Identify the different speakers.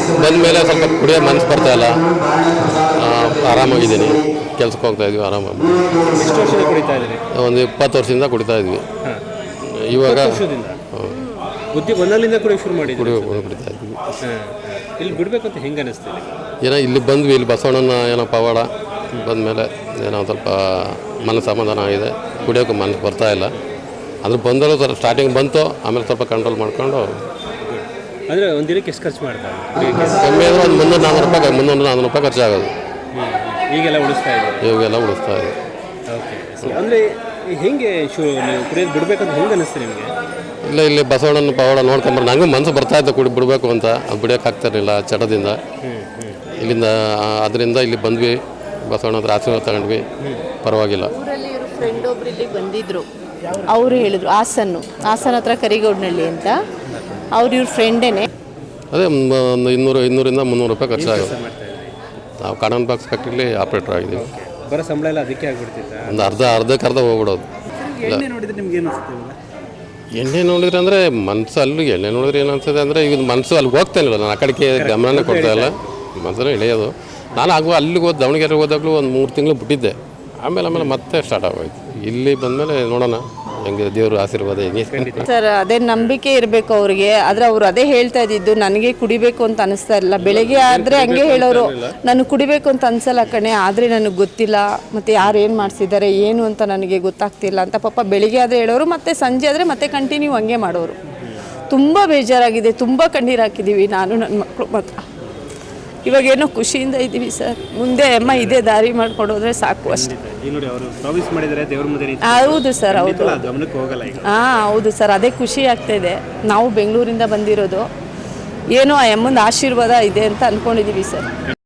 Speaker 1: ಬಂದ ಮೇಲೆ ಸ್ವಲ್ಪ ಕುಡಿಯೋ ಮನಸ್ಸು ಬರ್ತಾಯಿಲ್ಲ. ಆರಾಮಾಗಿದ್ದೀನಿ, ಕೆಲ್ಸಕ್ಕೆ ಹೋಗ್ತಾಯಿದ್ವಿ ಆರಾಮಾಗಿ.
Speaker 2: ಎಷ್ಟು ವರ್ಷದಿಂದ ಕುಡಿತಾ ಇದ್ದೀರಿ?
Speaker 1: ಒಂದು 20 ವರ್ಷದಿಂದ ಕುಡಿತಾ ಇದ್ವಿ. ಇವಾಗ
Speaker 2: ಬುದ್ಧಿ ಬಂದಾಗಲಿಂದ ಕುಡಿಯೋಕೆ ಶುರು ಮಾಡಿದ್ವಿ.
Speaker 1: ಕುಡಿತಾ ಇದ್ವಿ.
Speaker 2: ಇಲ್ಲಿ ಬಿಡಬೇಕು ಅಂತ ಹೆಂಗೆ ಅನ್ನಿಸ್ತಿದೆ?
Speaker 1: ಏನೋ ಇಲ್ಲಿ ಬಂದ್ವಿ, ಇಲ್ಲಿ ಬಸವಣ್ಣನ ಏನೋ ಪವಾಡ ಬಂದಮೇಲೆ ಏನೋ ಸ್ವಲ್ಪ ಮನಸ್ಸು ಸಮಾಧಾನ ಆಗಿದೆ. ಕುಡಿಯೋಕೆ ಮನಸ್ಸು ಬರ್ತಾಯಿಲ್ಲ. ಅದ್ರ ಬಂದರೂ ಸ್ವಲ್ಪ ಸ್ಟಾರ್ಟಿಂಗ್ ಬಂತು, ಆಮೇಲೆ ಸ್ವಲ್ಪ ಕಂಟ್ರೋಲ್ ಮಾಡ್ಕೊಂಡು.
Speaker 2: ಅಂದರೆ ಒಂದು ದಿನಕ್ಕೆ ಎಷ್ಟು ಖರ್ಚು ಮಾಡ್ತಾರೆ?
Speaker 1: ಕಮ್ಮಿ ಅಂದರೆ ಒಂದು 300-400 ರೂಪಾಯಿ ಖರ್ಚಾಗೋದು.
Speaker 2: ಈಗೆಲ್ಲ ಉಳಿಸ್ತಾ ಇದೆ?
Speaker 1: ಇವಾಗೆಲ್ಲ ಉಳಿಸ್ತಾ ಇದೆ.
Speaker 2: ಓಕೆ. ಅಂದರೆ ಹೆಂಗೆ ನೀವು ಕುಡಿಯೋದು ಬಿಡಬೇಕಂತ ಹೆಂಗೆ ಅನ್ನಿಸ್ತು ನಿಮಗೆ?
Speaker 1: ಇಲ್ಲಿ ಬಸವಣ್ಣನ ಪವಾಡ ನೋಡ್ಕೊಂಬರು ನನಗೂ ಮನಸ್ಸು ಬರ್ತಾಯಿತ್ತು ಬಿಡಬೇಕು ಅಂತ. ಅದು ಬಿಡೋಕ್ಕಾಗ್ತಿರಲಿಲ್ಲ ಚಟದಿಂದ. ಇಲ್ಲಿಂದ ಅದರಿಂದ ಇಲ್ಲಿ ಬಂದ್ವಿ, ಬಸವಣ್ಣ ಹತ್ರ ಆಶೀರ್ವಾದ ತಗೊಂಡ್ವಿ, ಪರವಾಗಿಲ್ಲ.
Speaker 3: ಊರಲ್ಲಿ ಇವರು ಫ್ರೆಂಡ್ ಒಬ್ರು ಇಲ್ಲಿ ಬಂದಿದ್ರು, ಅವರು ಹೇಳಿದ್ರು ಹಾಸನ ಹತ್ರ ಕರಿಗೌಡನಹಳ್ಳಿ ಅಂತ. ಇವ್ರ ಫ್ರೆಂಡೇನೆ.
Speaker 1: ಅದೇ ಒಂದು 200-300 ರೂಪಾಯಿ ಖರ್ಚಾಗೋದು. ನಾವು ಕಾಟನ್ ಬಾಕ್ಸ್ ಫ್ಯಾಕ್ಟ್ರಿಲಿ ಆಪ್ರೇಟರ್ ಆಗಿದ್ದೀವಿ.
Speaker 2: ಬರೋ ಸಂಬಳ ಎಲ್ಲ ಅದಕ್ಕೆ ಆಗಿಬಿಡ್ತಿತ್ತು.
Speaker 1: ಒಂದು ಅರ್ಧಕ್ಕೆ ಹೋಗ್ಬಿಡೋದು.
Speaker 2: ಎಣ್ಣೆ ನೋಡಿದ್ರೆ ನಿಮ್ಗೆ ಏನು ಅನಿಸುತ್ತೆ?
Speaker 1: ಎಣ್ಣೆ ನೋಡಿದ್ರೆ ಅಂದರೆ ಮನಸ್ಸು ಅಲ್ಲಿ ಎಣ್ಣೆ ನೋಡಿದ್ರೆ ಏನು ಅನ್ಸುತ್ತೆ ಅಂದರೆ ಈಗ ಮನಸ್ಸು ಅಲ್ಲಿ ಹೋಗ್ತಾನಿಲ್ಲ, ನಾನು ಆ ಕಡೆಗೆ ಗಮನನೇ ಕೊಡ್ತಾಯಿಲ್ಲ, ಮನಸ್ಸನ್ನು ಇಳಿಯೋದು. ನಾನು ಅಲ್ಲಿಗೆ ದಾವಣಗೆರೆಗೆ ಹೋದಾಗಲೂ ಒಂದು 3 ತಿಂಗಳು ಬಿಟ್ಟಿದ್ದೆ. ಆಮೇಲೆ ಮತ್ತೆ ಸ್ಟಾರ್ಟ್ ಆಗೋಯ್ತು. ಇಲ್ಲಿ ಬಂದಮೇಲೆ ನೋಡೋಣ ಹೆಂಗೆ ದೇವ್ರ ಆಶೀರ್ವಾದ ಹೆಂಗೆ.
Speaker 3: ಸರ್ ಅದೇ ನಂಬಿಕೆ ಇರಬೇಕು ಅವ್ರಿಗೆ. ಆದರೆ ಅವ್ರು ಅದೇ ಹೇಳ್ತಾ ಇದ್ದಿದ್ದು, ನನಗೆ ಕುಡಿಬೇಕು ಅಂತ ಅನಿಸ್ತಾ ಇಲ್ಲ. ಬೆಳಗ್ಗೆ ಆದರೆ ಹಂಗೆ ಹೇಳೋರು, ನನಗೆ ಕುಡಿಬೇಕು ಅಂತ ಅನಿಸಲ್ಲ ಕಣೆ, ಆದರೆ ನನಗೆ ಗೊತ್ತಿಲ್ಲ, ಮತ್ತು ಯಾರು ಏನು ಮಾಡಿಸಿದ್ದಾರೆ ಏನು ಅಂತ ನನಗೆ ಗೊತ್ತಾಗ್ತಿಲ್ಲ ಅಂತ ಪಾಪ ಬೆಳಿಗ್ಗೆ ಆದರೆ ಹೇಳೋರು, ಮತ್ತು ಸಂಜೆ ಆದರೆ ಮತ್ತೆ ಕಂಟಿನ್ಯೂ ಹಂಗೆ ಮಾಡೋರು. ತುಂಬ ಬೇಜಾರಾಗಿದೆ, ತುಂಬ ಕಣ್ಣೀರು ಹಾಕಿದ್ದೀವಿ ನಾನು ನನ್ನ ಮಕ್ಕಳು ಮಾತ್ರ. ಇವಾಗೇನೋ ಖುಷಿಯಿಂದ ಇದ್ದೀವಿ ಸರ್. ಮುಂದೆ ಅಮ್ಮ ಇದೇ ದಾರಿ ಮಾಡ್ಕೊಂಡು ಹೋದ್ರೆ ಸಾಕು ಅಷ್ಟೇ. ಹೌದು ಸರ್, ಹೌದು. ಹೌದು ಸರ್, ಅದೇ ಖುಷಿ ಆಗ್ತಾಯಿದೆ. ನಾವು ಬೆಂಗಳೂರಿಂದ ಬಂದಿರೋದು, ಏನೋ ಆ ಅಮ್ಮನ ಆಶೀರ್ವಾದ ಇದೆ ಅಂತ ಅಂದ್ಕೊಂಡಿದ್ದೀವಿ ಸರ್.